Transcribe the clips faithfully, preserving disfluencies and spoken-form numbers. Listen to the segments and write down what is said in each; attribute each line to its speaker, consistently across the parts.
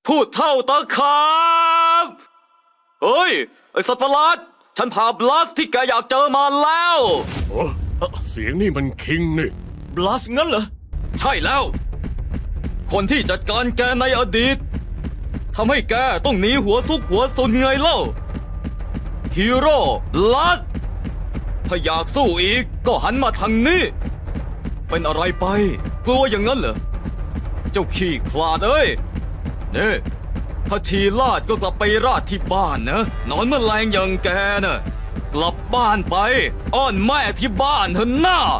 Speaker 1: พูดเท่าตะขาบเฮ้ยไอสัตว์ประหลาดฉันพาบลัสที่แกอยากเจอมาแล้ว
Speaker 2: โอ้เสียงนี่มันคิงนี่
Speaker 3: บลัสงั้นเหรอ
Speaker 1: ใช่แล้ว คนที่จัดการแกในอดีตทำให้แกต้องหนีหัวซุกหัวซุนไงเล่าฮีโร่ลัสถ้าอยากสู้อีกก็หันมาทางนี้เป็นอะไรไปกลัวอย่างนั้นเหรอเจ้าขี้คลาดเอ้ยนี่ถ้าชีลาดก็กลับไปราดที่บ้านนะนอนแมลงอย่างแกน่ะกลับบ้านไปอ้อนแม่ที่บ้านเถอะหน้า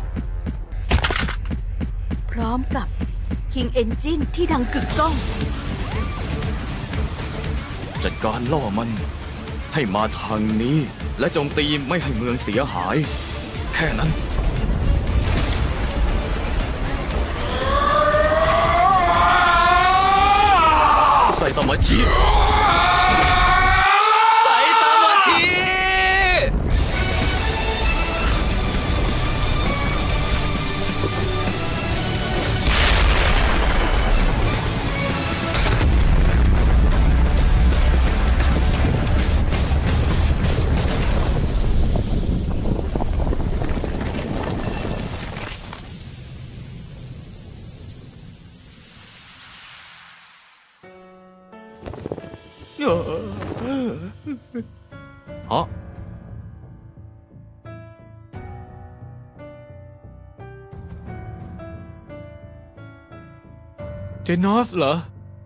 Speaker 4: พร้อมกับ King Engine ที่ดังกึกก้อง
Speaker 1: จัดการล่อมันให้มาทางนี้และโจมตีไม่ให้เมืองเสียหาย แค่นั้นไซตามะชิไซตามะชิ
Speaker 3: ฮะ เจนอสเหรอ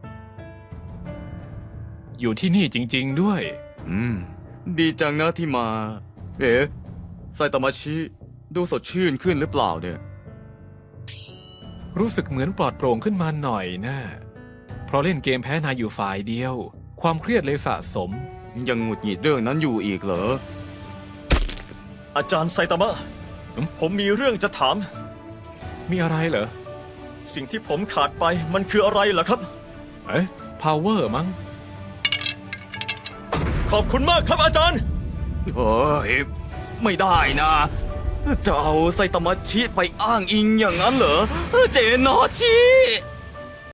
Speaker 3: อยู่ที่นี่จริง ๆ ด้วย
Speaker 1: อืม ดีจังนะที่มา เอ๋ไซตามะชิดูสดชื่นขึ้นหรือเปล่าเนี่ย
Speaker 3: รู้สึกเหมือนปลอดโปร่งขึ้นมาหน่อยนะ เพราะเล่นเกมแพ้นายอยู่ฝ่ายเดียว ความเครียดเลยสะสม
Speaker 1: ยังหงุดหงิดเรื่องนั้นอยู่อีกเหรอ
Speaker 5: อาจารย์ไซตามะ
Speaker 3: อืม
Speaker 5: ผมมีเรื่องจะถาม
Speaker 3: มีอะไรเหรอ
Speaker 5: สิ่งที่ผมขาดไปมันคืออะไรล่ะครับ
Speaker 3: เอ๊ะ power มั้ง
Speaker 5: ขอบคุณมากครับอาจารย์
Speaker 1: เฮ้ย ไม่ได้นะ จะเอาไซตามะชิไปอ้างอิงอย่างนั้นเหรอ เจนอชิ